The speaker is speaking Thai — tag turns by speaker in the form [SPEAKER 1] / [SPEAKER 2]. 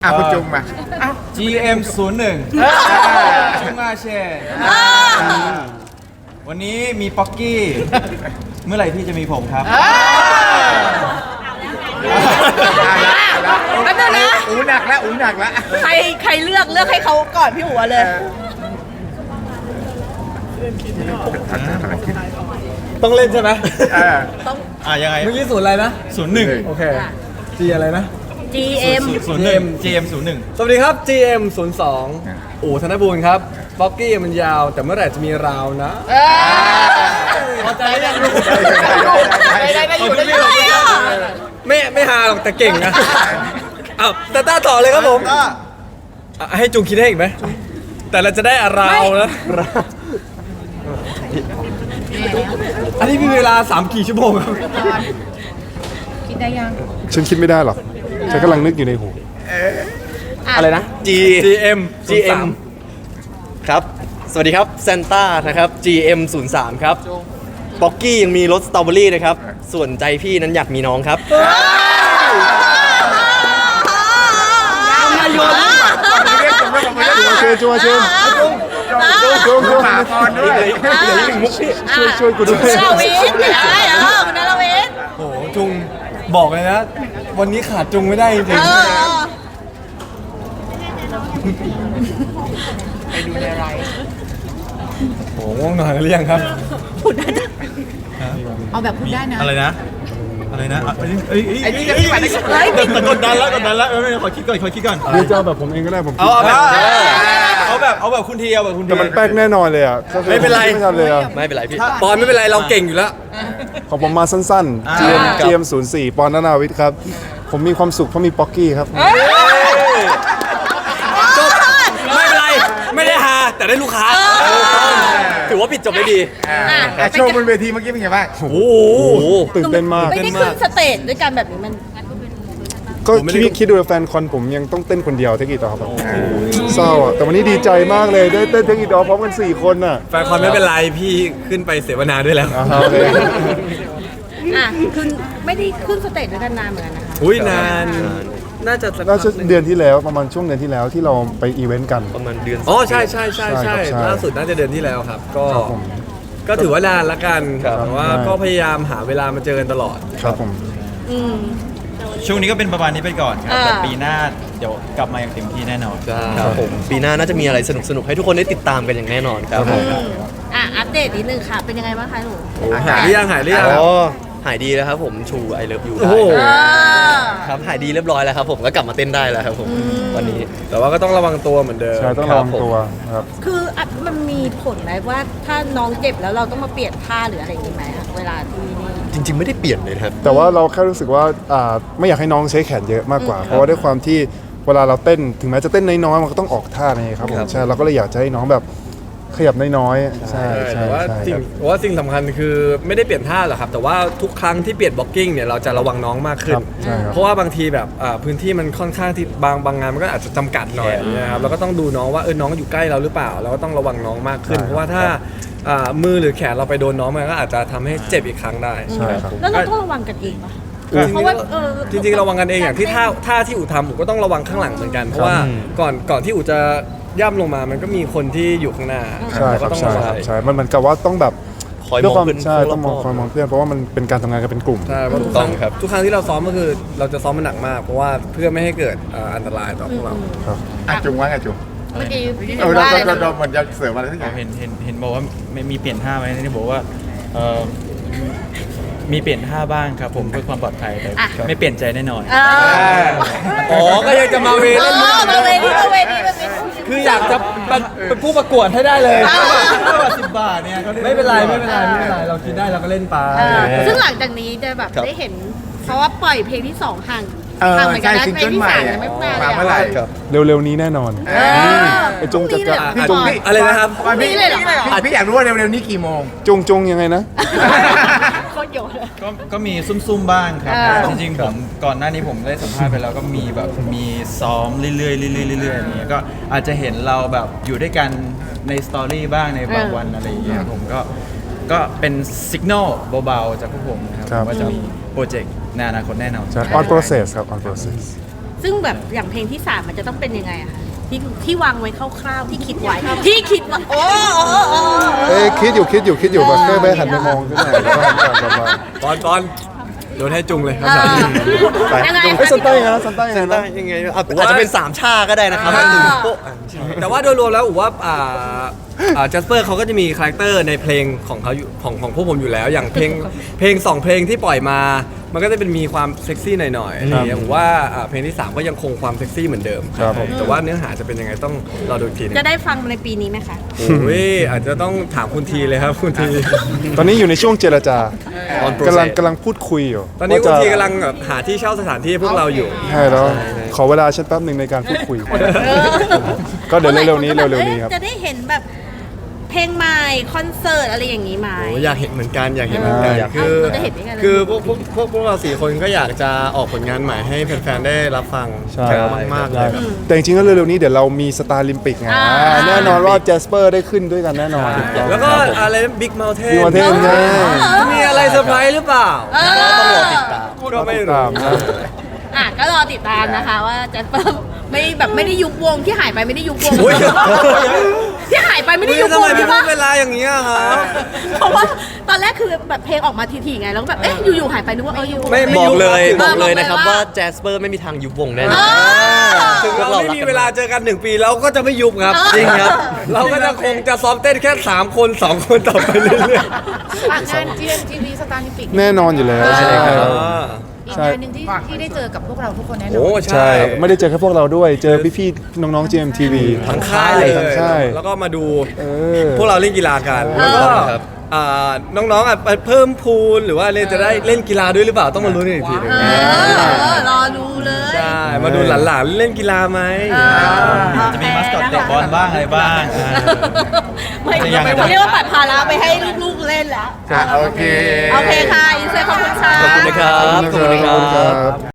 [SPEAKER 1] คุณจุงมา
[SPEAKER 2] GM 01จุงมาเช่วันนี้มีป๊อกกี้ เมื่อไหร่ที่จะมีผมครับ
[SPEAKER 3] แป๊บนึงนะ
[SPEAKER 1] อูหนักแล้วอูหนักแล้ว
[SPEAKER 3] ใครเลือกให้เขาก่อนพี่หัวเลย
[SPEAKER 4] ต้องเล่นใช่ไหม
[SPEAKER 2] ยังไง
[SPEAKER 4] เมื่อกี้ศูนย์อะไรนะ
[SPEAKER 2] 01
[SPEAKER 4] โอเค G อะไรนะ
[SPEAKER 3] GM
[SPEAKER 2] 01 GM 01
[SPEAKER 4] สวัสดีครับ GM 02อู่ธนบูรณ์ครับบ็อกกี้มันยาวแต่เมื่อไหร่จะมีราวนะพอใจยังลูก
[SPEAKER 3] ได้อยู่
[SPEAKER 4] ไม่ฮาหรอกแต่เก่งนะอ้าวแต่ต้าต่อเลยครับผมให้จุงคิดให้อีกไหมแต่เราจะได้ราวนะอันนี้มีเวลา3 กี่ชั่วโมงครับ
[SPEAKER 3] คิดได้ยัง
[SPEAKER 5] ฉันคิดไม่ได้หรอกฉันกำลังนึกอยู่ในหู
[SPEAKER 4] อะไรนะ GM
[SPEAKER 6] ครับ สวัสดีครับเซนต้านะครับ GM 03ครับบ็อกกี้ยังมีรสสตรอเบอรี่นะครับ ส่วนใจพี่นั้นอยากมีน้องครับ
[SPEAKER 5] เชิญจุง
[SPEAKER 1] หมาพรด้วย
[SPEAKER 5] ช่วยกูด้วย
[SPEAKER 3] คุณนรวิทย์คุณนรวิทย์
[SPEAKER 4] โอ้โหจุงบอกเลยนะ วันนี้ขาดจุงไม่ได้จริงโอ้โหง่วงนอนหรือยังครับ
[SPEAKER 3] เอาแบบพูดได้นะ
[SPEAKER 2] อะไรนะไอ้นี่จะไปแต่กดดันแล้วไม่ขอคิดก่อน
[SPEAKER 5] หรือจะเอาแบบผมเองก็ได้ผมคิด
[SPEAKER 2] เอาแบบคุณทีเอาแบบคุณที
[SPEAKER 5] แต่มันแป๊กแน่นอนเลยอ่ะ
[SPEAKER 4] ไม่เป็นไร
[SPEAKER 5] ไม่ทันเลยอ่ะ
[SPEAKER 6] ไม่เป็นไรพี่
[SPEAKER 4] ปอนไม่เป็นไรเราเก่งอยู่แล้ว
[SPEAKER 5] ของผมมาสั้นๆ GM 04ปอนนาวิทย์ครับ ผมมีความสุขเพราะมีป๊อกกี้ครับ
[SPEAKER 4] จบไม่เป็นไรไม่ได้ฮาแต่ได้ลูกค้า
[SPEAKER 6] ถือว่าปิดจบได้ดี
[SPEAKER 1] โชว์บนเวทีเมื่อกี้เป็นไงบ้าง
[SPEAKER 4] โอ้โห
[SPEAKER 5] ตื่นเต้นมาก
[SPEAKER 3] ไม่ได้ขึ้นสเตจด้วยกันแบบนี้มัน
[SPEAKER 5] ก็คิดดูแฟนคอนผมยังต้องเต้นคนเดียวเทคนิคต่อครับเศร้าอ่ะแต่วันนี้ดีใจมากเลยได้เต้นเทคนิคต่อพร้อมกัน4 คนน่ะ
[SPEAKER 4] แฟนคอนไม่เป็นไรพี่ขึ้นไปเสวนาด้วยแล้ว
[SPEAKER 5] โอเค
[SPEAKER 3] คือไม่ได้ขึ้นสเตจด้วยกันนานเหมือนกันนะคะ
[SPEAKER 4] อุ้ยนานน่าจะสัก
[SPEAKER 5] น่าจะ
[SPEAKER 4] พักหนึ่ง
[SPEAKER 5] เดือนที่แล้วประมาณช่วงเดือนที่แล้วที่เราไปอีเวนต์กัน
[SPEAKER 6] ประมาณเดือน
[SPEAKER 4] อ๋อใช่ใช่
[SPEAKER 5] ใช่ครับ
[SPEAKER 4] ล่าสุดน่าจะเดือนที่แล้วครับ ก็
[SPEAKER 5] ครับผม
[SPEAKER 4] ก็ถือว่านานละกัน
[SPEAKER 6] ครับ
[SPEAKER 4] แต่ว่าก็พยายามหาเวลามาเจอกันตลอด
[SPEAKER 5] ครับผม
[SPEAKER 3] อืม
[SPEAKER 2] ช่วงนี้ก็เป็นประมาณนี้ไปก่อนครับ
[SPEAKER 3] อ่า
[SPEAKER 2] แต่ปีหน้าเดี๋ยวกลับมาอย่างเต็มที่แน่นอน
[SPEAKER 6] ครับผมปีหน้าน่าจะมีอะไรสนุกๆให้ทุกคนได้ติดตามกันอย่างแน่นอนครับผม
[SPEAKER 3] อัปเดตนิดนึงค่ะ เป็นยังไงบ้างคะหนู
[SPEAKER 4] หายหรือยังหายหรือยัง
[SPEAKER 6] อ๋อหายดีแล้วครับผมชู I love you
[SPEAKER 4] โอ้
[SPEAKER 6] ได้
[SPEAKER 4] โห
[SPEAKER 6] ครับหายดีเรียบร้อยแล้วครับผมก็กลับมาเต้นได้แล้วครับผมวันนี้
[SPEAKER 4] แต่ว่าก็ต้องระวังตัวเหมือนเดิม
[SPEAKER 5] ใช่ต้องระวังตัวครับ
[SPEAKER 3] คือมันมีผลไหมว่าถ้าน้องเจ็บแล้วเราต้องมาเปลี่ยนท่าหรืออะไรอย่างนี้ไหมคะเวลาที่นี่
[SPEAKER 6] จริง ๆ ไม่ได้เปลี่ยนเลยนะครับ
[SPEAKER 5] แต่ว่าเราแค่รู้สึกว่าไม่อยากให้น้องใช้แขนเยอะมากกว่า เพราะว่าด้วยความที่เวลาเราเต้นถึงแม้จะเต้นน้อยๆมันก็ต้องออกท่าไงครับผมใช่เราก็เลยอยากจะให้น้องแบบขยับน้อยๆใช่
[SPEAKER 4] แต่ว่า
[SPEAKER 5] ใช่
[SPEAKER 4] สิ่งสำคัญคือไม่ได้เปลี่ยนท่าหรอกครับ แต่ว่าทุกครั้งที่เปลี่ยนบล็อกกิ้งเนี่ยเราจะระวังน้องมากขึ้น
[SPEAKER 5] ใช่ครับ
[SPEAKER 4] เพราะว่าบางทีแบบพื้นที่มันค่อนข้างที่บางงานมันก็อาจจะจำกัดหน่อยนะครับเราก็ต้องดูน้องว่าน้องอยู่ใกล้เราหรือเปล่าเราก็ต้องระวังน้องมากขึ้น เพราะว่าถ้ามือหรือแขนเราไปโดนน้องมันก็อาจจะทำให้เจ็บอีกครั้งได้
[SPEAKER 5] ใช่ครับ
[SPEAKER 3] แล้วเราต้องระวังกันเองปะ
[SPEAKER 4] จริงๆ
[SPEAKER 3] เพราะว่า
[SPEAKER 4] จริงๆระวังกันเองอย่างที่ท่าที่อู่ทำอู่ก็ต้องระวังข้างหลังเหมือนกันเพราะว่าก่อนที่อู่จะย่ำลงมามันก็มีคนที่อยู่ข้างหน้า
[SPEAKER 5] ใช่ค
[SPEAKER 4] ก็
[SPEAKER 5] รับ
[SPEAKER 4] ต้อง
[SPEAKER 5] ใช่
[SPEAKER 4] ระวัง
[SPEAKER 5] ครับใช่มันเหมือนกับว่าต้องแบบ
[SPEAKER 6] คอย
[SPEAKER 5] ด้วย
[SPEAKER 6] ม
[SPEAKER 5] ค
[SPEAKER 6] อง
[SPEAKER 5] วาม
[SPEAKER 6] เพื่อน
[SPEAKER 5] ใช่ต้องมองคอยมองเพื่อนเพราะว่ามันเป็นการทำงานกันเป็นกลุ่ม
[SPEAKER 4] ใช่เพราะทุกครั้งทุกครั้งที่เราซ้อมก็คือเราจะซ้อมมันหนักมาก เพราะว่าเพื่อไม่ให้เกิดอันตรายต่อพวกเรา
[SPEAKER 1] จุงว่าไงจุง
[SPEAKER 3] เมื่อกี้พี่
[SPEAKER 1] เรา
[SPEAKER 3] ว่าอะไรนะ
[SPEAKER 1] เราเหมือนจะเสริมอะไรสักอย่าง
[SPEAKER 2] เห็นบอกว่าไม่มีเปลี่ยนท่าไหมนี่บอกว่ามีเปลี่ยนท่าบ้างครับผมเพื่อความปลอดภัยแต่ไม่เปลี่ยนใจแน่นอน
[SPEAKER 4] อ๋อ ก็ยังจะมาเวเล่นมุก
[SPEAKER 3] มาเวทีมาเวที
[SPEAKER 4] คืออยากจะเป็นผู้ประกวดให้ได้เลย
[SPEAKER 2] 10 บาทเนี่ยก็
[SPEAKER 4] ไม่เป็นไรเราคิดได้เราก็เล่นไป
[SPEAKER 3] ซึ่งหลังจากนี้จะแบบได้เห็น เพราะว่าปล่อยเพลงที่ 2 ห่าง
[SPEAKER 1] เออ
[SPEAKER 3] ห่างเหมือนกั
[SPEAKER 1] ใช่
[SPEAKER 3] นนะ
[SPEAKER 1] ซิง
[SPEAKER 3] เพล
[SPEAKER 1] เกิ
[SPEAKER 3] ง
[SPEAKER 1] ล
[SPEAKER 3] ที่
[SPEAKER 1] ใหม่
[SPEAKER 3] 3ยังไม่มา
[SPEAKER 1] มา
[SPEAKER 3] เลย
[SPEAKER 1] เมื่อไหร่
[SPEAKER 5] เร็วๆนี้แน่นอน ไอ้จงจะ
[SPEAKER 3] พี่
[SPEAKER 5] จง
[SPEAKER 4] อะไรนะครับ
[SPEAKER 3] นี่เลยเหรอ
[SPEAKER 1] พี่อยากรู้ว่าเร็วๆนี้กี่โมง
[SPEAKER 5] จงยังไงนะ
[SPEAKER 3] โคตรโยนเลย
[SPEAKER 2] ก็มีซุ่มๆบ้างครับ จริงๆผมก่อนหน้านี้ผมได้สัมภาษณ์ไปแล้วก็มีแบบมีซ้อมเรื่อยๆเรื่อยๆเรื่อยๆอย่างเงี้ยก็อาจจะเห็นเราแบบอยู่ด้วยกันในสตอรี่บ้างในบางวันอะไรอย่างเงี้ยผมก็เป็นสัญญาณเบาๆจากพวกผมนะครับว่าจะมีโปรเจกต์ในอนาคตแน่นอน
[SPEAKER 5] ใช่ on process ครับ on process
[SPEAKER 3] ซึ่งแบบอย่างเพลงที่ 3มันจะต้องเป็นยังไงอะคะที่วางไว้คร่าวๆที่คิดไว้ที่คิดว่าโอ้โอ้
[SPEAKER 5] คิดอยู่แบบแค่ไปหันไปมองขึ้นหน่อยแล้วก็หันกลับมา
[SPEAKER 4] ตอนโยนให้จุงเลยครับ
[SPEAKER 5] ไป
[SPEAKER 3] ยังไง
[SPEAKER 5] เฮ้ยซันต้ายังไงนะซันต้ายังไง
[SPEAKER 6] ได้
[SPEAKER 5] นะ
[SPEAKER 6] ยังไงอาจจะเป็น3ชาก็ได้นะครับหนึ่งโป๊ะ
[SPEAKER 4] แต่ว่าโดยรวมแล้วผมว่าจัสเปอร์เขาก็จะมีคาแรคเตอร์ในเพลงของเขาอยู่ของพวกผมอยู่แล้ว อย่างเพลง2เพลงที่ปล่อยมา มันก็จะเป็นมีความเซ็กซี่หน่อยๆอะไรอย่างเงี้ยผมว่าเพลงที่ 3 ก็ยังคงความเซ็กซี่เหมือนเดิม
[SPEAKER 5] ครับผม
[SPEAKER 4] แต่ว่าเนื้อหาจะเป็นยังไงต้องรอดูอีกทีหนึง
[SPEAKER 3] จะได้ฟังในปีนี้ไหมคะ
[SPEAKER 4] โอ้ยอาจจะต้องถามคุณทีเลยครับคุณที
[SPEAKER 5] ตอนนี้อยู่ในช่วงเจรจา
[SPEAKER 6] On
[SPEAKER 5] กำลัง
[SPEAKER 6] process
[SPEAKER 5] กำลังพูดคุยอยู่
[SPEAKER 4] ตอนนี้คุณ
[SPEAKER 5] ว่าจะ
[SPEAKER 4] ทีกำลังแบบหาที่เช่าสถานที่ให้พวกเราอยู่
[SPEAKER 5] ใช่แล้วขอเวลาฉันแป๊บหนึ่งในการพูดคุย ก็เดี๋ยวเร็วๆนี้ครับ
[SPEAKER 3] จะได้เห็นแบบเพลงใหม่คอนเสิร์ตอะไรอย่างนี้ไหม
[SPEAKER 4] โอ้อยากเห็นเหมือนกันอยากเห็นเหมือนกัน คือ
[SPEAKER 3] เราจะเห็นได้ไงล่ะ
[SPEAKER 4] คือพวกเรา4 คนก็อยากจะออกผลงานใหม่ให้แฟนๆได้รับฟัง
[SPEAKER 5] ใช่
[SPEAKER 4] มากๆเลยครับ
[SPEAKER 5] แต่จริงๆแล้วเร็วๆนี้เดี๋ยวเรามีสตาร์ลิมปิกไงแน่นอนว่าแจสเปอร์ได้ขึ้นด้วยกันแน่นอน
[SPEAKER 4] แล้วก็อะไรบิ๊กเมลเทน
[SPEAKER 5] Big Mountain ใช่
[SPEAKER 4] มีอะไรเซอร์ไพรส์หรือเปล่า
[SPEAKER 6] ต้องรอติดตาม
[SPEAKER 4] ก็ไม่รู้
[SPEAKER 5] ตามนะ
[SPEAKER 3] ก็รอติดตามนะคะว่าแจ็คเปิร์ไม่ได้ยุบวงที่หายไปไม่ได้ยุบวง
[SPEAKER 4] โอ้ย
[SPEAKER 3] ที่หายไปไม่ได้ยุบ
[SPEAKER 4] ทำ
[SPEAKER 3] ว
[SPEAKER 4] ไม
[SPEAKER 3] ง
[SPEAKER 4] พี่
[SPEAKER 3] ใช่
[SPEAKER 4] พู
[SPEAKER 3] ปะ
[SPEAKER 4] ดเวลาอย่างนี้อะครับ
[SPEAKER 3] เพราะว่าตอนแรกคือแบบเพลงออกมาทีๆไงแล้วก็แบบอยู่ๆหายไปนึกว่ายุบวง
[SPEAKER 4] ไม่
[SPEAKER 6] บอกเลย
[SPEAKER 4] ยุบ
[SPEAKER 6] บอกเลยนะครับ
[SPEAKER 3] บอกเลยว่า
[SPEAKER 6] ว่าแจสเปอร์ไม่มีทางยุบวงแน่น
[SPEAKER 3] เอ
[SPEAKER 6] อน
[SPEAKER 3] อ
[SPEAKER 4] ถึงเราไม่มีเวลาเจอกัน 1 ปีเราก็จะไม่ยุบครับ
[SPEAKER 6] จริงครับ
[SPEAKER 4] เราก็จะคงจะซ้อมเต้นแค่ 3 คน 2 คนต่อไปเรื่อย
[SPEAKER 7] ฝากงาน GMTV สตาร์ลิมปิก
[SPEAKER 5] แน่นอนอยู่แล้ว
[SPEAKER 4] ๆ
[SPEAKER 5] ใช่ครับ
[SPEAKER 7] อีกงานหนึ่งที่ได้เจอกับพวกเราทุกคนแน่นอ
[SPEAKER 4] โอ้
[SPEAKER 7] น
[SPEAKER 5] ใช่ ไม่ได้เจอแค่พวกเราด้วย เจอพี่ๆน้องๆ GMTV
[SPEAKER 4] ทั้งค่ายเลย
[SPEAKER 5] ทั้งค่าย
[SPEAKER 4] แล้วก็มาดู
[SPEAKER 5] เออ
[SPEAKER 4] พวกเราเล่นกีฬากัน แล้วก็
[SPEAKER 6] ครับ
[SPEAKER 4] น้องๆเพิ่มพูลหรือว่าจะได้เล่นกีฬาด้วยหรือเปล่าต้องมาลุ้นกันอีกทีหนึง
[SPEAKER 3] รอดูเลย
[SPEAKER 4] ใช่มาดูหลานๆเล่นกีฬาไหม
[SPEAKER 2] จะมีมัสคอตเตะบอลบ้างอะไรบ้าง
[SPEAKER 3] ไม่
[SPEAKER 2] ยังไง
[SPEAKER 3] เรียกว่าปัดภาระไปให้ลูกๆเล่นแล้ว
[SPEAKER 1] โอเค
[SPEAKER 3] โอเคค่ะอินเซอร์ขอบคุณค่ะ
[SPEAKER 6] ขอบคุณนะครับ
[SPEAKER 5] ขอบคุณครับ